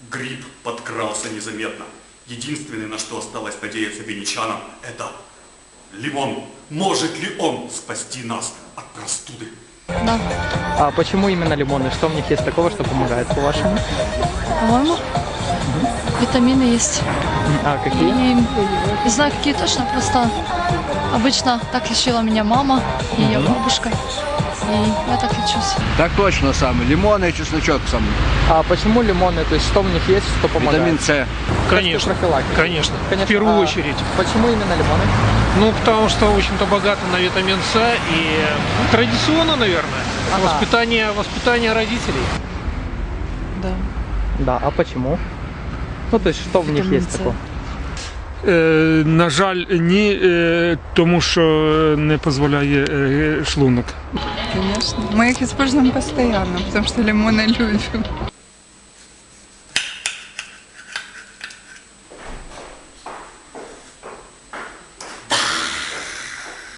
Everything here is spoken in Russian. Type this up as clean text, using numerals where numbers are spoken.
Гриб подкрался незаметно. Единственное, на что осталось надеяться венечанам, это лимон. Может ли он спасти нас от простуды? Да. А почему именно лимоны? Что в них есть такого, что помогает, по-вашему? По-моему, витамины есть. А какие? И не знаю, какие точно, просто обычно так лечила меня мама и ее бабушка. И я так лечусь. Так точно самый. Лимон и чесночок самый. А почему лимоны? То есть что в них есть, что помогает? Витамин С. Конечно, Профилактика. конечно, в первую очередь. Почему именно лимоны? Ну, потому что, в общем-то, богато на витамин С и традиционно, наверное, воспитание родителей. Да. Да, а почему? Ну, то есть что в них Витамин есть С. такого? На жаль, ні, тому що не дозволяє шлунок. Конечно. Мы их используем постоянно, потому что лимоны любим.